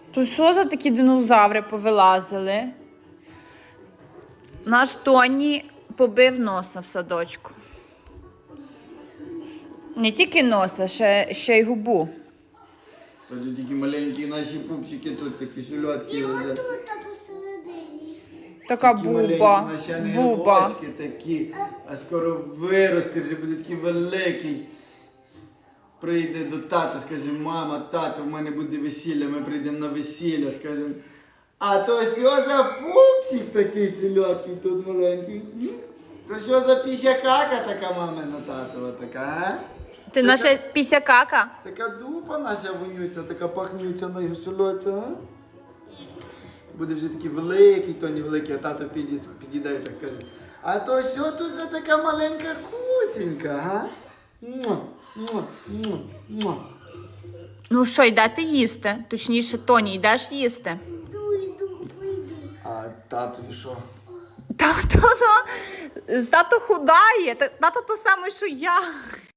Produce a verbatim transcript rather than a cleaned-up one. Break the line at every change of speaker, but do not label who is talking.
То що за такі динозаври повилазили? Наш Тоні побив носа в садочку. Не тільки носа, ще, ще й губу.
Тут такі маленькі наші пупсики, тут такі сольотки.
І отут посередині.
Така
Такі
буба,
маленькі наші
буба.
ангелочки такі, а скоро виросте, вже буде такий великий. Прийде до тата, скаже, мама, тато, в мене буде весілля, ми прийдемо на весілля, скажемо. А то що за пупсик такий сільоткий тут маленький? М? То що за пісякака така мамина татова така, а?
Ти наша пісякака?
Така дупа наша вонюця, така пахнюча на сільоця, а? Буде вже такий великий, то не великий, а тато підійде, підійде і так скаже. А то що тут за така маленька куценька, га? Муа, муа, муа, муа.
Ну що, йдете їсти? Точніше, Тоні, йдеш їсти?
Йду, йду, прийду.
А татові що?
Тато, ну, тато худає, та- тато то саме, що я.